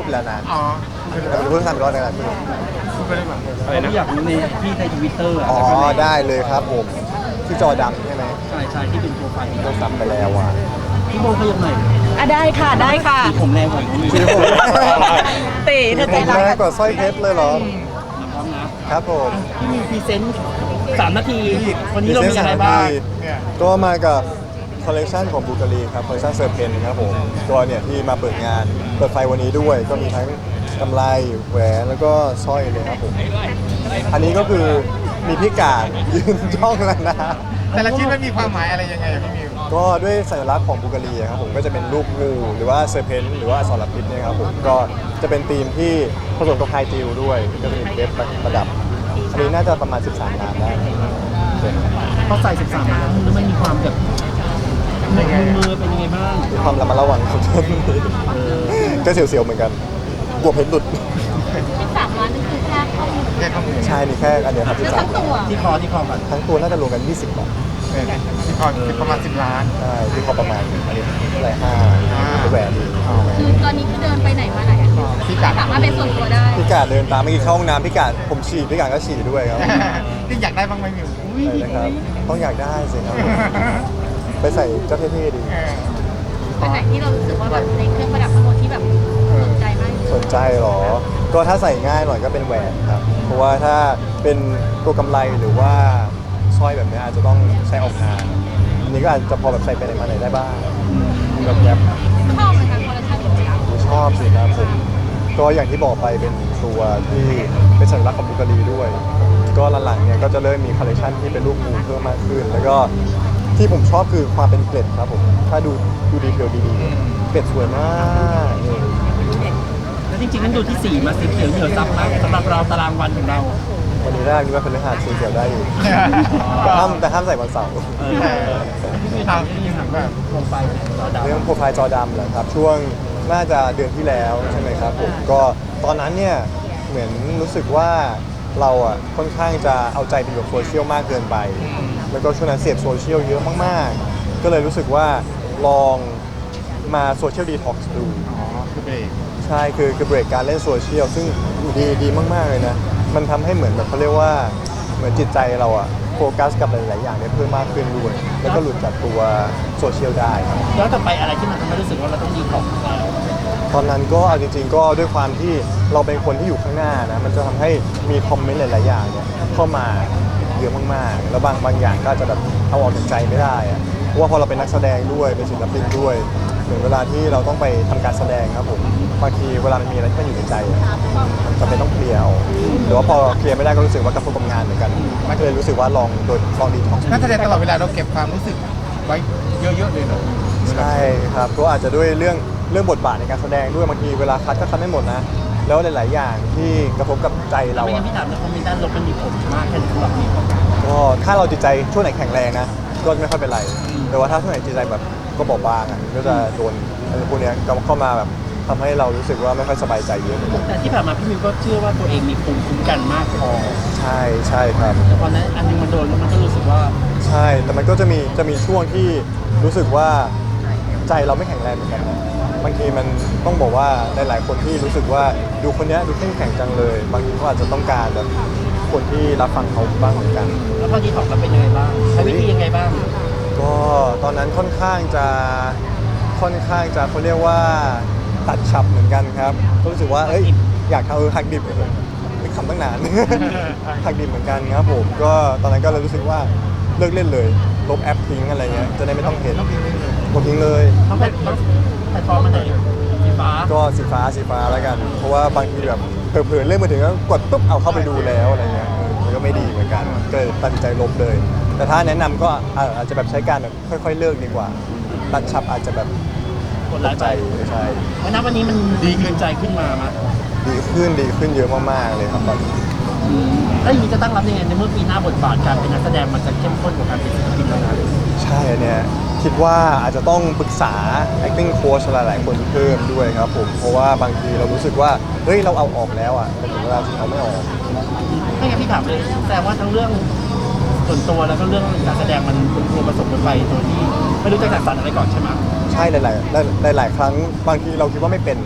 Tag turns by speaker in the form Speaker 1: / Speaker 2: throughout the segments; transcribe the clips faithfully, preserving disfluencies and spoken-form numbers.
Speaker 1: ไปแล้วนะ
Speaker 2: อ๋อ
Speaker 1: แต่เป็นเพิ่งทำไปรอบในการที่
Speaker 2: พูดไปได้ไหม
Speaker 3: อะไรนะอยากรู้ในที่ในทวิตเตอร์
Speaker 1: อ๋อได้เลยครับผมที่จอดำใช่ไหม
Speaker 3: ใช่ใช่ที่เป็นโปรไฟล์
Speaker 1: โดนสับไปแล้วอ่ะ
Speaker 3: พี่โบเขายังไง
Speaker 4: อ่ะได้ค่ะได้ค่ะ
Speaker 3: ผมแรงกว่าผมอีก
Speaker 1: ชีวิตผม
Speaker 4: ตีเธอใจ
Speaker 1: ผม
Speaker 4: ร้าย
Speaker 1: แรงกว่าสร้อยเพชรเลยเหรอ
Speaker 3: พร้อมนะครับ
Speaker 1: ผม
Speaker 3: พี่มีพรีเซนต์สามนาทีวันนี้เรามีอะไรบ้าง
Speaker 2: เนี่ย
Speaker 1: ก็มากับคอลเลกชันของบูการีครับคอลเลกชันเซอร์เพนครับผมตัวเนี่ยที่มาเปิดงานเปิดไฟวันนี้ด้วย ก็มีทั้งกำไรแหวนแล้วก็สร้อยเลยครับผมอันนี้ก็คือมีพิกาดยืนจ้องแล้วนะ
Speaker 2: แต่ละชิ้นมันมีความหมายอะไรยังไงอะพี่มิว
Speaker 1: ก็ด้วยสัญลักษณ์ของบูการีครับผมก็จะเป็นรูปงูหรือว่าเซอร์เพนหรือว่าอสรพิษเนี่ยครับผมก็จะเป็นธีมที่ผสมกับไฮจิลด้วยก็จะมีเพชรประดับอันนี้น่าจะประมาณสิบสามล้านได้
Speaker 3: พอใส่สิบสามมาแล้วมันมันมีความแบบมือมือเป็นยังไงบ้าง
Speaker 1: มีความระมัดระวังของต้นนี้ก็เสียวๆเหมือนกันกลัวเพชรหลุด
Speaker 4: สิบสามล้านนี่คือแค่ข้อมูล
Speaker 2: แค่ข้อมูล
Speaker 1: ใช่นี่แค่อันเดียวครับ
Speaker 4: หรือ
Speaker 1: ที่สา
Speaker 4: ทั้
Speaker 1: ม
Speaker 4: งตัว
Speaker 3: ที่คอที่คอก่อน
Speaker 1: ทั้งตัวน่าจะรวมกันยี่สิบบาท
Speaker 2: เนี่ยที่พอที่ประมาณสิบล้าน
Speaker 1: ใช่ที่พอประมาณอันนี้เท่าไหร่ห้าแหวนดี
Speaker 4: คือตอนนี้คือเดินไปไหนมาไหนอะ
Speaker 2: พี่กัด
Speaker 4: สามารถเป็นส่วนตัวได้
Speaker 1: พี่กาดเดินตามเมื่อกี้เข้าห้องน้ำพี่กาดผมฉี่พี่กาดก็ฉี่ด้วยครับ
Speaker 2: ที่อยากได้บ้างไหมมิว
Speaker 1: ใช่นะครับต้องอยากได้สิครับไปใส่เจ้าเท่ๆดี
Speaker 2: เออ
Speaker 4: เป็นไหนที่เรารู้สึกว่าแบบในเครื่องประดับทั้งหมดที่แบบสนใจมากที่สุด
Speaker 1: สนใจเหรอ ก็ถ้าใส่ง่ายหน่อยก็เป็นแหวนครับ เพราะว่าถ้าเป็นตัวกำไรหรือว่าสร้อยแบบนี้อาจจะต้องใช้ออกงานอันนี้ก็อาจจะพอแบบใส่ไปไหนมาไหนได้บ้างแบบแบบ
Speaker 4: ชอบไหมคะคอลเลคชันของเรา
Speaker 1: ชอบสิครับผมก็อย่างที่บอกไปเป็นตัวที่เป็นสัญลักษณ์ของบุการีด้วย ก็หลังๆเนี่ยก็จะเริ่มมีคอลเลคชันที่เป็นรูปงูเพิ่มมากขึ้น แล้วก็ที่ผมชอบคือความเป็นเกล็ดครับผมถ้าดูดูดีเทลดีๆเกล็ดสวยมากนี่
Speaker 3: แล้วจริงๆนั้นดูที่สีมาสีเขียวเหนียวซับมากสำหรับเราตารางวันของเรา
Speaker 1: วันนี้แรกนี่ว่าเป็นเรื่องหาดสีเขียวได้อยู่แต่ห้ามแต่ห้ามใส่วันเสาร์
Speaker 3: เออพี่มีถามพี่มีถามว่าโปรไฟล์เราดาว
Speaker 1: เรื่องโปรไฟล์จอดำเหรอครับช่วงน่าจะเดือนที่แล้วใช่ไหมครับผมก็ตอนนั้นเนี่ยเหมือนรู้สึกว่าเราอ่ะค่อนข้างจะเอาใจไปอยู่กับโซเชียลมากเกินไป แล้วก็ช่วงนั้นเสพโซเชียลเยอะมากๆ ก็เลยรู้สึกว่าลองมาโซเชียลดีท็อกซ์ดู
Speaker 2: อ๋อคือเบรก
Speaker 1: ใช่คือคือเบรกการเล่นโซเชียลซึ่งดีดีมากๆเลยนะมันทำให้เหมือนแบบเขาเรียกว่าเหมือนจิตใจเราอะโฟกัสกับหลายๆอย่างได้เพิ่มมากขึ้นด้วยแล้วก็หลุดจากตัวโซเชียลได้ครับ
Speaker 3: ย้อนกลับไปอะไรที่มันทำให้รู้สึกว่าเราต้องดีของแล้ว
Speaker 1: ตอนนั้นก็เอาจริงๆก็ด้วยความที่เราเป็นคนที่อยู่ข้างหน้านะมันจะทำให้มีคอมเมนต์หลายๆอย่างเนี่ยเข้ามาเยอะมากๆ แล้วบางบางอย่างก็อาจจะแบบเอาออกจากใจไม่ได้อะเพราะว่าพอเราเป็นนักแสดงด้วยเป็นศิลปินด้วยเหมือนเวลาที่เราต้องไปทำการแสดงครับผมบางทีเวลามันมีอะไรที่มันอยู่ในใจอะมันจำเป็นต้องเคลียร์เอาหรือว่าพอเคลียร์ไม่ได้ก็รู้สึกว่ากระทบกับงานเหมือนกันมันก็เลยรู้สึกว่าลองโดยลองดีท็อกซ์
Speaker 2: นั่นแสดงตลอดเวลาเราเก็บความรู้สึกไว้เยอะๆเลยเหรอ
Speaker 1: ใช่ครับก็อาจจะด้วยเรื่องเรื่องบทบาทในการแสดงด้วยบางทีเวลาคัดก็คัดไม่หมดนะ แล้วหลายๆอย่างที่กระทบกับใจเรา
Speaker 3: ไม่งั้
Speaker 1: อะ
Speaker 3: นพี่ถามในคอมเมนต์ด้านลบมันมีผลมากแค่ไหนสำหรับนี้
Speaker 1: ก็ถ้าเราจิตใจช่วงไหนแข็งแรงนะ ก็ไม่ค่อยเป็นไร แต่ว่าถ้าช่วงไหนจิตใจแบบก็บอบบางอะก็จะโดนอะไรพวกเนี้ยเข้ามาแบบทำให้เรารู้สึกว่าไม่ค่อยสบายใจเยอะ
Speaker 3: แต่ที่ผ่านมาพี่มิวก็เชื่อว่าตัวเองมีภูมิคุ้มกันมากพอ
Speaker 1: ใช่ใช่ครับ
Speaker 3: แต่พอนั้นอันนึงมันโดนแล้วมันก็รู้สึกว่า
Speaker 1: ใช่แต่มันก็จะมีจะมีช่วงที่รู้สึกว่าใจเราไม่แข็งแรงเหมือนกันนะบางทีมันต้องบอกว่าหลายๆคนที่รู้สึกว่าดูคนเนี้ยดูเข้มแข็งจังเลย บางทีเขาอาจจะต้องการแบบคนที่รับฟังเขาบ้างเหมือนกัน
Speaker 3: แล้วพอดีถอกเราเป็นยังไงบ้างใช้วิธียังไงบ้าง
Speaker 1: ก็ตอนนั้นค่อนข้างจะค่อนข้างจะเขาเรียกว่าตัดฉับเหมือนกันครับก็รู้สึกว่าเอ้ยอยากทำเออหักดิบเป็นคำตั้งนาน หักดิบเหมือนกันครับผมก็ตอนนั้นก็เลยรู้สึกว่าเลิกเล่นเลยลบแอปทิ้งอะไรเงี้ยจะได้ไม่ต้องเห็นลบทิ้งเลย
Speaker 3: ต้องเป็นต้องแพลตฟอร์มมันไหนสีฟ้า
Speaker 1: ก็สีฟ้าสีฟ้าแล้วกัน เพราะว่าบางทีแบบเผลอๆเล่นมาถึงก็กดปุ๊บเอาเข้าไปดูแล้วอะไรเงี้ยเออมันก็ไม่ดีเหมือนกันก็เลยตัดสินใจลบเลย แต่ถ้าแนะนำก็เอ่ออาจจะแบบใช้การแบบค่อยๆเลิกดีกว่า ตัดฉับอาจจะแบบ
Speaker 3: กดไลค์
Speaker 1: ใจ
Speaker 3: ไป
Speaker 1: ไม่ใช่
Speaker 3: วันนั้นวันนี้มันดีขึ้นใจขึ้นมามั้ย
Speaker 1: ดีขึ้นดีขึ้นเยอะมากๆเลยครับตอนนี้
Speaker 3: แล้วอย่างนี้จะตั้งรับยังไงในเมื่อปีหน้าบทบาทการเป็นนักแสดงมันจะเข้มข้นกว่าการเป็นศิลปินแล้วนะ
Speaker 1: ใช่อันเนี่ยคิดว่าอาจจะต้องปรึกษา acting coach หลายๆคนเพิ่มด้วยครับผมเพราะว่าบางทีเรารู้สึกว่าเฮ้ยเราเอาออกแล้วอ่ะแต่ถึงเวลาจริงเอาไม่ออก
Speaker 3: ไม่งั้นพี่ถามเลยแต่ว่าทั้งเรื่องส่วนตัวแล้วก็เรื่องการแสดงมันเป็นตัวผสมกันไปโดยที่ไม่รู้จะจัดสรรอะไรก่อนใช่ไหม
Speaker 1: ใช่หลายๆหลายๆหลายๆครั้งบางทีเราคิดว่าไม่เป็น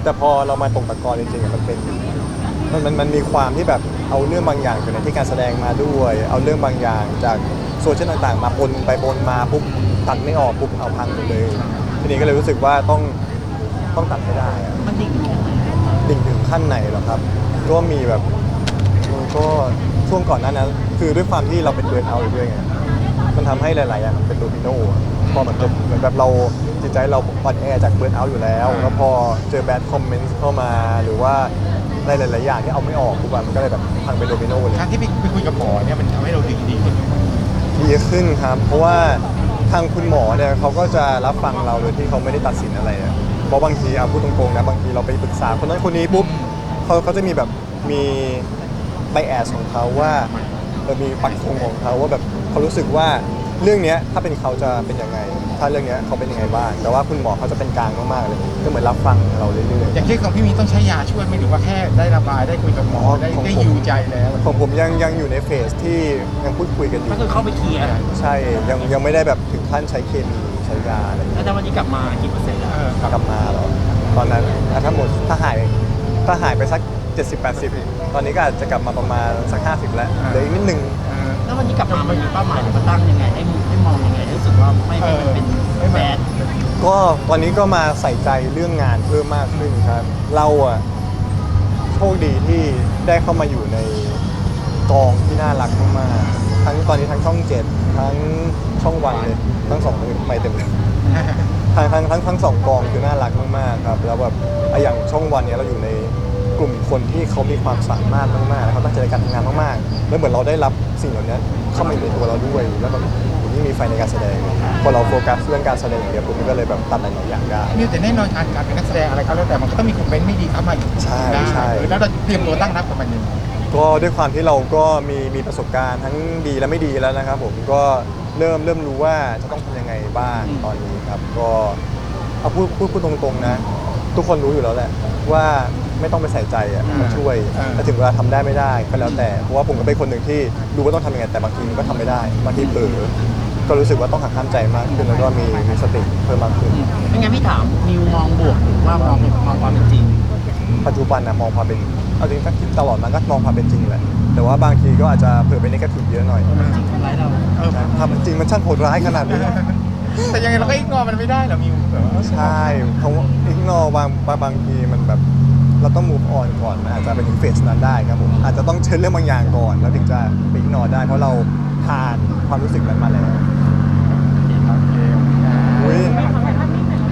Speaker 1: แต่พอเรามาตกตะกอนจริงๆอะมันเป็นมันมันมันมีความที่แบบเอาเรื่องบางอย่างจากในที่การแสดงมาด้วย เอาเรื่องบางอย่างจากโซเชียลต่างๆ มาปนไปปนมาปุ๊บตัดไม่ออกปุ๊บเอาพังหมดเลยทีนี้ก็เลยรู้สึกว่าต้องต้องตัดให้ได้อะ
Speaker 3: มันดิ่งแค่ไหน
Speaker 1: ดิ่งถึงขั้นไหนเหรอครับ ก็มีแบบก็ช่วงก่อนหน้านั้นคือด้วยความที่เราเป็นเบิร์นเอาท์อยู่ด้วยไงมันทำให้หลายๆอย่างมันเป็นโดมิโนอะพอเหมือนกับเหมือนแบบเราจิตใจเราอ่อนแอจากเบิร์นเอาท์อยู่แล้ว แล้วพอเจอแบดคอมเมนต์เข้ามาหรือว่าหลายๆอย่างที่เอาไม่ออกปุ๊บอะมันก็เลยแบบพังเป็นโดมิโนเลย
Speaker 2: การที่ไปไปคุยกับหมอเนี่ยมันทำให้เราดีดีขึ้น
Speaker 1: ดีขึ้นครับ เพราะว่าทางคุณหมอเนี่ยเขาก็จะรับฟังเราโดยที่เขาไม่ได้ตัดสินอะไรอะเพราะบางทีเอาพูดตรงๆนะบางทีเราไปปรึกษาคนนั้นคนนี้ปุ๊บเขาเขาจะมีแบบมีไบแอสของเขาว่าเออมีปักธงของเขาว่าแบบเขารู้สึกว่าเรื่องเนี้ยถ้าเป็นเขาจะเป็นยังไง ถ้าเรื่องเนี้ยเขาเป็นยังไงบ้าง แต่ว่าคุณหมอเขาจะเป็นกลางมากๆเลยก็เหมือนรับฟังเราเรื่อย
Speaker 2: อย่างเช่นของพี่มีต้องใช้ยาช่วยไหมหรือว่าแค่ได้ระบายได้คุยกับหมอได้ได้ฮิวใจแล้ว
Speaker 1: ๆของผมยังยังอยู่ในเฟสที่ยังพูดคุยกันอยู่
Speaker 3: ก็คือเข้าไปเคลียร์
Speaker 1: ใช่ยังยังไม่ได้แบบถึงขั้นใช้เคมีใช้ยาอะไรอย่างเงี้ย
Speaker 3: แล้ววันนี้กลับมากี่เปอร์เซ็นต์แล้ว
Speaker 2: เออครับ
Speaker 1: กลับมาเหรอตอนนั้นอ่ะถ้าหมดถ้าหายถ้าหายไปสัก เจ็ดสิบแปดสิบ ตอนนี้ก็อาจจะกลับมาประมาณสัก ห้าสิบ แล้วเหลืออีกนิดนึง
Speaker 2: เออ
Speaker 3: แล้ววันนี้กลับมามันมีเป้าหมายหรือว่าตั้งยังไงให้มุมให้มองยังไงให้รู้สึกว่าไม่ให้มันเป็น
Speaker 2: เออ
Speaker 3: แบด
Speaker 1: ก็ตอนนี้ก็มาใส่ใจเรื่องงานเพิ่มมากขึ้นครับ เราอะโชคดีที่ได้เข้ามาอยู่ในกองที่น่ารักมากๆทั้งตอนนี้ทั้งช่องเจ็ดทั้งช่องวันเลยทั้งสองไม่เต็มเลย ทั้งทั้งทั้งทั้งสองกองคือน่ารักมากๆครับแล้วแบบอ่ะอย่างช่องวันเนี้ยเราอยู่ในกลุ่มคนที่เขามีความสามารถมากๆแล้วเขาตั้งใจในการทำงานมากๆแล้วเหมือนเราได้รับสิ่งเหล่านี้เข้ามาอยู่ในตัวเราด้วยแล้วก็ยิ่งมีไฟในการแสดงพอเราโฟกัสเรื่องการแสดงอย่างเดียวปุ๊บมันก็เลยแบบตัดหลายๆอย่างได้
Speaker 2: มิวแต่แน่นอนการการเป็นนักแสดงอะไรก็แล้วแต่มันก็ต้องมีคอมเมนต์ไม่ดีเข้ามาอยู่
Speaker 1: ใช่
Speaker 2: ได้
Speaker 1: ใช่
Speaker 2: เออแล้วเราเตรียมตัวตั้งรับกับมันยังไง
Speaker 1: ก็ด้วยความที่เราก็มีมีประสบการณ์ทั้งดีและไม่ดีแล้วนะครับผมก็เริ่มเริ่มรู้ว่าจะต้องทำยังไงบ้างตอนนี้ครับก็เอาพูดพูดพูดตรงๆนะ ทุกคนรู้อยู่แล้วแหละว่าไม่ต้องไปใส่ใจอ่ะมันช่วยแต่ถึงเวลาทำได้ไม่ได้ก็แล้วแต่เพราะว่าผมก็เป็นคนหนึ่งที่รู้ว่าต้องทำยังไงแต่บางทีมันก็ทำไม่ได้บางทีเผลอก็รู้สึกว่าต้องหักห้ามใจมากขึ้นแล้วก็มีมีสติเพิ่มมากขึ้น
Speaker 3: ไม่งั้นพี่ถามมิวมองบวกหรือว่ามองมองความเป็นจริง
Speaker 1: ปัจจุบันนะมองความเป็นเอาจริงถ้าคิดตลอดมันก็มองความเป็นจริงแหละแต่ว่าบางทีก็อาจจะเผื่อไปในกระถิ่เยอะหน่อย
Speaker 3: จริงทำร้ายเรา
Speaker 2: เออ
Speaker 1: ถ้ามันจริงมันช่างโหดร้ายขนาดนี้
Speaker 2: แต่ยังไงเราก็อิกนอมันไม่ได้เหรอมิวแบบว่า
Speaker 1: ใช่เพราะว่าอีกนอบางบางบางทีมันแบบเราต้อง move on ก่อนมันอาจจะไปถึงเฟสนั้นได้ครับผมอาจจะต้องเชิญเรื่องบางอย่างก่อนแล้วถึงจะไปอีกนอได้เพราะเราผ่านความรู้สึกนั้นมาแล้ว
Speaker 2: โอเค
Speaker 1: อุ้ย
Speaker 2: มิวทั้งไง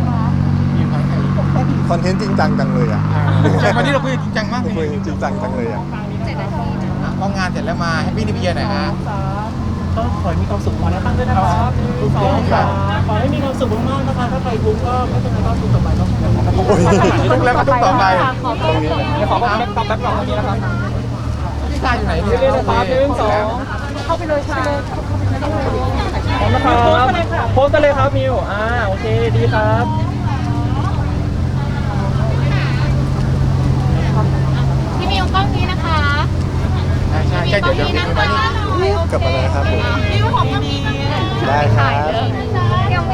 Speaker 1: คอนเทนต์จริงจังจังเลยอ่ะ
Speaker 2: วันนี้เราคุยกันจริงจังมากเล
Speaker 1: คุย
Speaker 2: ย
Speaker 1: จริงจังจังเลยอ่ะ
Speaker 4: เจ็ดนาทีนะ
Speaker 2: พองานเสร็จแล้วมาแฮปปี้นิวเยียร์หน่อยฮะ
Speaker 3: ก็ขอให้มีความสุขมาแล้วตั้งด้วยนะครับทุกคนค่ะขอให้มีความสุขมากๆนะคะถ้าใครทุกข์ก็ไม่เป็นไรก็ทุกข์ต่อไปก็
Speaker 1: โอ้ย
Speaker 2: ทุกแล้วก็ทุกต่อไป
Speaker 4: ขอเพิ่ม
Speaker 2: เดี๋ยวขอแบ็คตอบแบ็คกล่องตรงนี้นะครับพี่ชายอยู่ไหนเนี่ย
Speaker 5: เรียนเลยครับหนึ่งสอง
Speaker 4: เข้าไปเลยค่ะ
Speaker 5: พร้อมนะครับโพสต์กันเลยครับมิวอ่าโอเคดีครับ
Speaker 4: พี่มิวกล้องนี้นะคะ
Speaker 2: ใช่ใช่ใช่เดี๋ยวเดี๋ยว
Speaker 4: พี่มิวกล้องนี้นะคะ
Speaker 1: กลับมาแล้วนะครับผม
Speaker 4: พี่มิวของกล้องนี้นะคะ
Speaker 1: ได้ครับ